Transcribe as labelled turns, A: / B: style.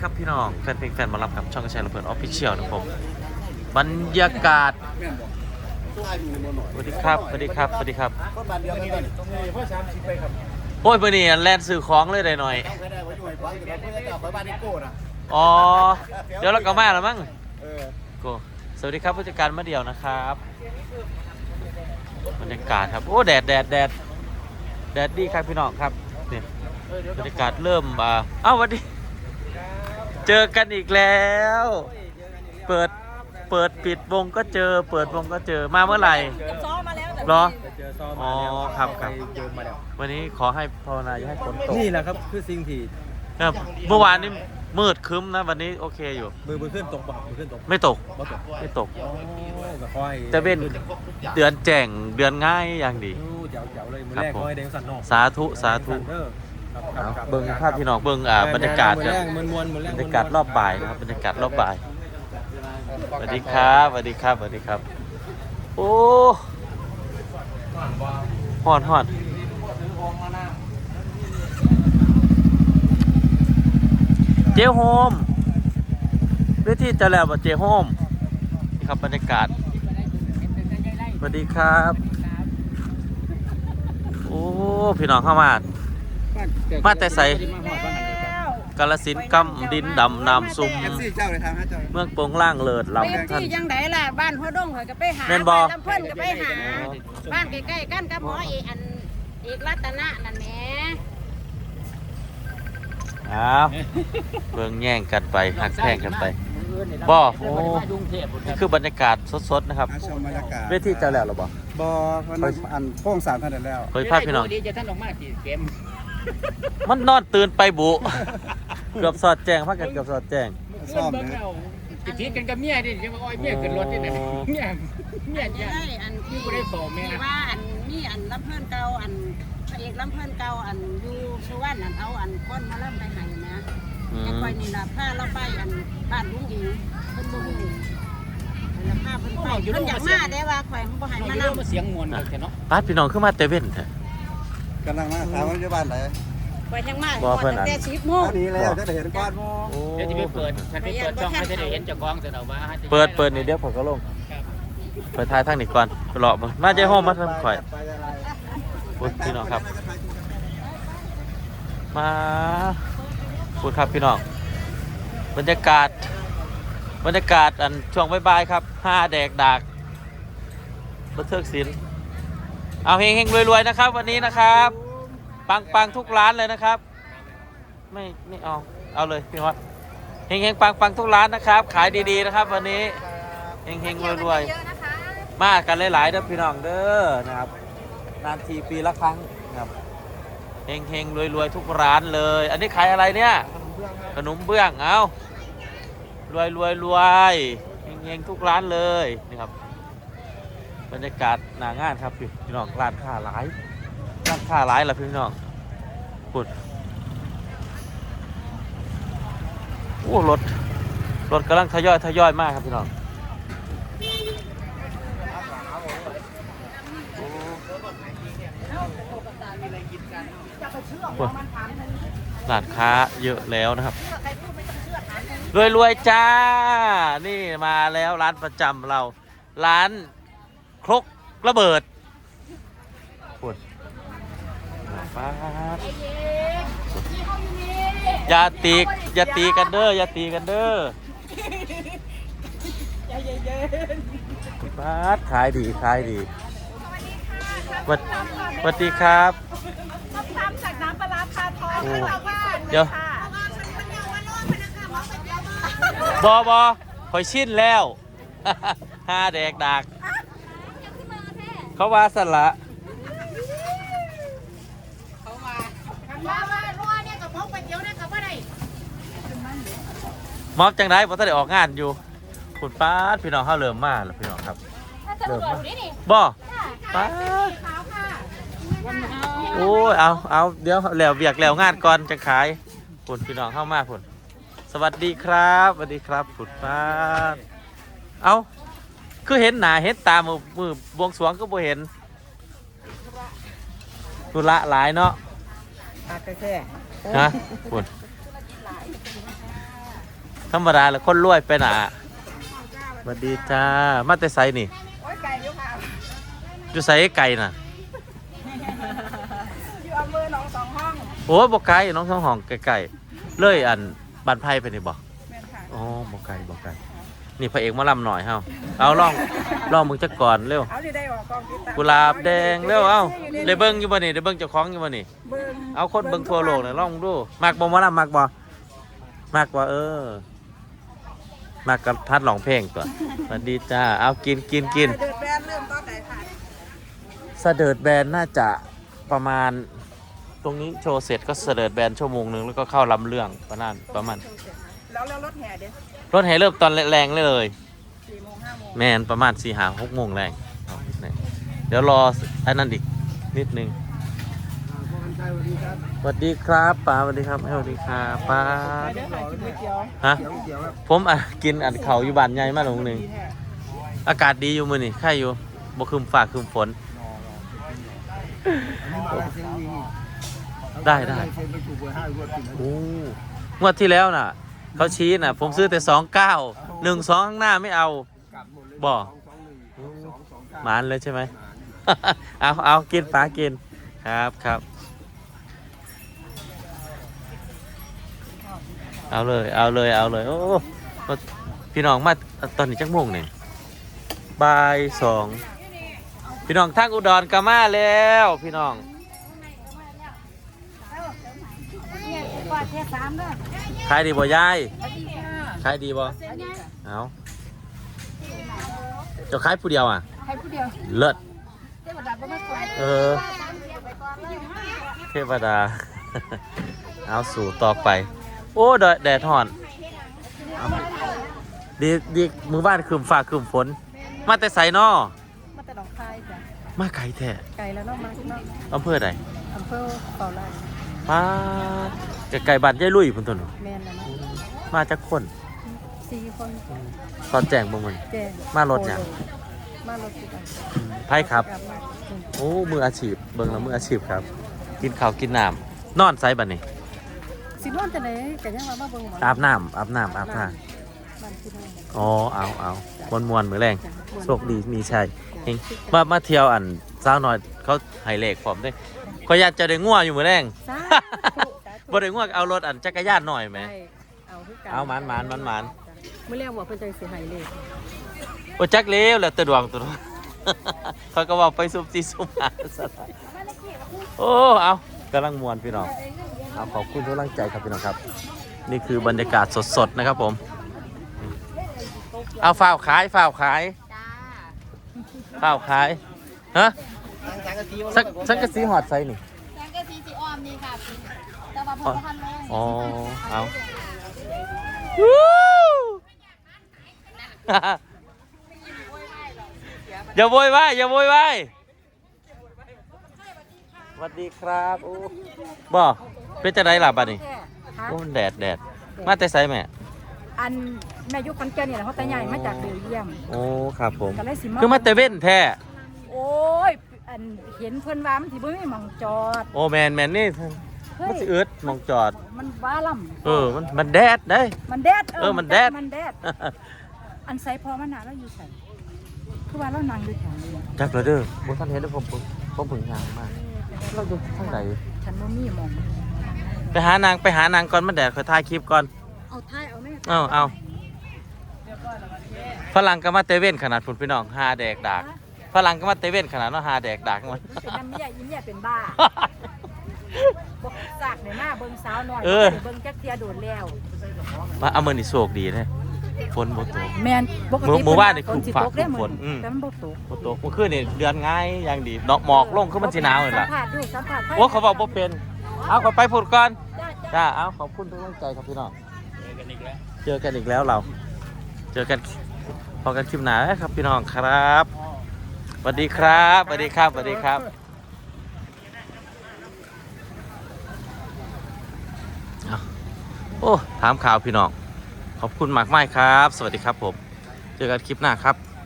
A: ครับพี่น้องแฟนเพลงแฟนหมารับกับช่องกระชายระเบิดออฟฟิเชียลนะผมบรรยากาศสวัสดีครับสวัสดีครับสวัสดีครับโอ้ยเมื่อนี้แลนซื้อของเลยได้หน่อยอ๋อเดี๋ยวเราก็มาแล้วมั้งโกสวัสดีครับผู้จัดการมาเดี่ยวนะครับบรรยากาศครับโอ้แดดดีครับพี่น้องครับเนี่ยบรรยากาศเริ่มเอ้าวันนี้เจอกันอีกแล้วเปิดปิดวงก็เจอเปิดวงก็เจอมาเมื่อไหร่เหรออ๋อครับวันนี้ขอให้ภาวนาอย่าให้ฝนตก
B: นี่แหละครับคือสิ่งที่
A: ครับเมื่อวานนี้มืดครึ้มนะวันนี้โอเคอยู่
B: มือขึ้นตกป่ะมือขึ้นตก
A: ไม่ตกแต่เป็นเดือนแจ่งเดือนง่ายอย่างดี
B: เจ๋วเลยมือแรกคอยแดงสันนอก
A: สาธุเบิ่งภาพพี่น้องเบิ่งบรรยากาศบรรยากาศรอบบ่ายนะครับบรรยากาศรอบบ่ายสวัสดีครับสวัสดีครับสวัสดีครับโอ้ฮอนเจโฮมเวทีจะแล้วบ่เจโฮมนี่ครับบรรยากาศสวัสดีครับโอ้พี่น้องเข้ามาแต่ใสกาฬสินธุ์กำดินดำน้ำซุ่มเมืองโป่งล่างเลิศลำท่าน
C: ยังไงล่ะบ้านพ่อดงเขาก็ไปหา
A: แม่นบ่
C: ลำเพิ่นก็ไปหาบ้านใกล้ๆกันกับหมอเอกรัตนะนั่นแหละ
A: เบิ่งแย่งกันไปหักแพงกันไปบ่โอ้นี่คือบรรยากาศสดๆนะครับเวทีจะแล้วหรอบ่
B: เพราะอันโป้งสารท่านแล้ว
A: เคยพาพี่น้อง
C: ดีจะท่านออกมากี่เกม
A: มันนอนตื่นไปบุเกือบสอดแจ้งพักกันเกือบสอดแจ้ง
B: ซ่อม
C: เลยติดทีกันกับเมียดิยังว่าอ้อยเมียขึ้นรถนี่นะเมียอันที่ได้โผล่แม่ว่าอันนี่อันลำเพิ่นเก่าอันพระเอกลำเพิ่นเก่าอันอยู่สุวรรณอันเอาอันก้นมาล่ำไปให้นะยังคอยนี่นะผ้าเราไปอันบ้านลุงหญิงเพิ่นบ่ฮู้แล้วผ้าเพิ่นไปเพิ่นอยากมาได้ว่าข่อยบ่ให้มานำ
A: เสียงมวนกันเนาะป้าพี่น้องขึ้นมาเตเว่นแท้
B: กำลังมาถามว่าอยู่บ้านไหน
C: ไปทางมาแต่10 โมง
B: นี่แล้วจะได้เห็นก้อน
C: เดี๋ยวจะไปเปิดฉันไปเปิดช่องให้ได้เห็นเจ้าของเสร็จเอาว่า
A: เปิดนี่เดี๋ยวผมก็ลงเปิดท้ายทางนี้ก่อนไปเลาะมาใจห้องมาทำข่อยพูดพี่น้องครับมาพูดครับพี่น้องบรรยากาศอันช่วงบ่ายๆครับ5 แดกดากบันเทิงศิลป์เอาเฮงๆรวยๆนะครับวันนี้นะครับปังทุกร้านเลยนะครับไม่เอาเลยพี่วัดเฮงปังทุกร้านนะครับขายดีๆนะครับวันนี้เฮงรวยๆมากันหลายๆเด้อพี่น้องเด้อนะครับนานทีปีละครั้งนะครับเฮงรวยๆทุกร้านเลยอันนี้ขายอะไรเนี่ยขนมเบื้องเอารวยเฮงทุกร้านเลยนะครับบรรยากาศหน้างานครับพี่น้องร้านค้าหลายล่ะพี่น้องปุดโอ้รถกำลังทยอยมากครับพี่น้องร้านค้าเยอะแล้วนะครับรวยจ้านี่มาแล้วร้านประจำเราร้านครกระเบิดปุดป้าอย่าตีกันเด้อป้าขายดีสวัสดีครับ
C: ทำจากน้ำปลาคาทอง
A: เดี๋ยวบอคอยชินแล้ว5 แดกดักเขาว่าสละมอบจังได้เพราะถ้าได้ออกงานอยู่คุณป้าพี่น้องเขาเริ่มมาแล้วพี่น้องครับเริ่มมาบ่ป้าโอ้ยเอาเดี๋ยวแล้วเบียกแล้วงานก่อนจะขายคุณพี่น้องเข้ามาคุณสวัสดีครับคุณป้าเอาคือเห็นหนาเห็นตามือบวงสรวงก็บ่เห็นตุละหลายเนาะ
C: แค่
A: นะคุณธรรมดาแล้วคนรวยไปหนาสวัสดีจ้ามาแต่ไซนี่
C: โอ้ยไก่อยู่ค่ะ
A: อยู่ไซไก่น่ะ
C: อยู่อำเภอหนองสองห้อง
A: โอ้บอกไก่น้องท้องห้องไก่ๆเลยอันบันไพ่ไปนี่บอก
C: แม่นค่ะ
A: อ๋อบอกไก่บอกไก่นี่พระเอกมาลำหน่อยเฮาเอาลองมึงจักก่อนเร็ว
C: เอาที่ได้ออกกองติดตาม
A: กุหลาบแดงเร็วเอาได้เบิ้งอยู่บ่นี่ได้เบิ้งเจ้าของอยู่บ่นี่
C: เบิ่ง
A: เอาคนเบิ้งทั่วโลกเนี่ยลองดูมักบ่มาลำมักบ่มักกับทัดร้องเพลงตัวสวัสดีจ้าเอากิน
C: เดือดแบนเริ่มตอนไหนค่ะ
A: เสดิร์ดแบนน่าจะประมาณตรงนี้โชว์เสร็จก็เสดิร์ดแบนชั่วโมงนึงแล้วก็เข้าลำเรื่องประมาณ
C: แล้วรถแห่เด้
A: รถแห่เริ่มตอนแรงเลย
C: 4 โมง 5 โมง
A: แมนประมาณ4-6 โมงแรงเดี๋ยวรออันนั้นอีกนิดนึงสวัสดีครับป้าสวัสดีครับสวัสดีครับป้า
C: ไปเด้อค่ะกินก๋วยเตี๋ยว
A: ฮะผมกินเขาอยู่บ้านใหญ่มาหลงหนึ่งอากาศดีอยู่มือนี่ใครอยู่บ่คืมฟ้าคืมฝนได้โอ้งวดที่แล้วน่ะเขาชี้น่ะผมซื้อแต่29 12ข้างหน้าไม่เอาบ่หมานเลยใช่ไหม เอากินป้ากินครับเอาเลยโอ้พี่น้องมาตอนนี้จักโมงเนี่ยบ่าย 2พี่น้องทางอุดรก็มาแล้วพี่น้อง
C: กว่าเทศ3เด้อ
A: ขายดีบ่ยาย
C: สวัสดีค่ะ
A: ขายดีบ่เอาเจะขายผู้เดียวอ่ะ
C: ให้ผู้เดียว
A: เลิศ
C: เทวดาบ่มาช่วย
A: เทวดา เอาสู่ต่อไปโอ้แดดห่อนดีมือบ้านคืมฟ้าคืมฝนมาแต่ไสนอ
C: มาแต่ดอกคายจ้ะ
A: มาไกลแท้
C: ไก่แล้วเนาะมาเนาะ
A: อำเภอใด
C: อำเภอเป่าไร่
A: ป้าจะไก่บ้านยายลุยพุ่นตัวหนู
C: แม่นแล้วเนาะ
A: มาจากคน
C: 4 คน
A: ตอนแจ้งบ่มัน
C: แจ้ง
A: มารถหยัง
C: มารถติดกัน
A: ไพ่ครับโอ้มืออาชีพเบิ่งแล้วมืออาชีพครับ กินข้าวกินน้ำนอนไซบัดนี้
C: สินอนจังได๋ก็ยังว่ามาเบิ่งหมอ
A: อาบน้ำอาบท่า
C: บ้านพี่น้อง
A: อ๋อเอามวนมือแรงโชคดีมีชัยเฮงมาเที่ยวอันสาวน้อยเขาให้เลขผมด้วยขอยอยากจะได้งัวอยู่มือแรง
C: สา
A: บ่ได้ง่วงเอารถอันจักรยานหน่อยไหม
C: เอาคือกัน
A: เอาหมาน
C: มื้อแรกบอกเพิ่นจังสิให้เลข
A: โอ้จักเลี้ยวแล้วแตะดวงตัว เขาก็ว่าไปซุบซีซุบหาซะได้โอ้เอากำลังมวนพี่น้องเอาขอบคุณทุกกำลังใจครับพี่น้องครับ นี่คือบรรยากาศสดๆนะครับผมเอาฝ้าวขายฮะสังกะสีหอดไซนี่
D: สังกะสีสีออมนี่ค่ะแต่ว่าพอทันเลย
A: อ๋อเอา อย่าโวยวายสวัสดีครับโอ้บ่เป็นจะได้หลับอ่ะนี่โอ้แดดมาแต่ไสแม่
C: อันแม่ยุคคอนแก่นนี่แหละเขาแต่ใหญ่มาจากเบลเยียม
A: โอ้ครับผม
C: ก็เลยสิ
A: คือมาแต่เว้นแท้
C: โอ้ยอันเห็นเพิ่นว่ามันสิบ่มีหม่องจอด
A: โอ้แมนนี่
C: เฮ้
A: มัน
C: ย
A: สิอึดมองจอด
C: มันบ้าล่ำ
A: มันแดดได้
C: มันแดด
A: มันแดด
C: มันแดดอันใส่พอมันหนาแล้วอยู่ใส่คือว่าเรานั่งอยู่แถวนี้
A: จักเลยเด้อบ่ทันเห็นเด้อผมผึ่งงานมากเราอยู่ทางไหน
C: ฉันบ่มีหม่อง
A: ไปหานางก่อนมันแดดค่อยถ่ายคลิปก่อน
C: เอาท้ายเอาแม่
A: เอาฝรั่งก็มาเตเว่นขนาดพุ่นพี่น้องหาแดกดากฝรั่งก็มาเตเว่นขนาดเนาะหาแดกดากมัน
C: เป็นน้ำเมียยิ้มเนี่ยเป็นบ้าบ่ซากในหน้าเบิ่งสาวน้อยเบิ่งจักเทียโดดแล้ว
A: มาเอามือนี่โชคดีเลยฝนบ่ตก
C: แม่นปกติ
A: หมู่บ้านนี่
C: ฝนสิ
A: ฝาก
C: ตกได้
A: ฝนอืม
C: แต่มันบ่ตก
A: บ่ตกเมื่อคืนนี่เดือนง่ายอย่างดีดอกหมอกลงคือมันสิหนาวนี่ล่ะ
C: สัมผัสดูสัมผัส
A: โอ้เขาบอกบ่เป็นเอาก็ไปพูดก่อน
C: จ้า
A: จ้าเอาขอบคุณทุกกำลังใจครับพี่น้องเจอกันอีกแล้วเราเจอกันพอกันคลิปหน้าครับพี่น้องครับสวัสดีครับโอ้ถามข่าวพี่น้องขอบคุณมากมายครับ สวัสดีครับผมเจอกันคลิปหน้าครับ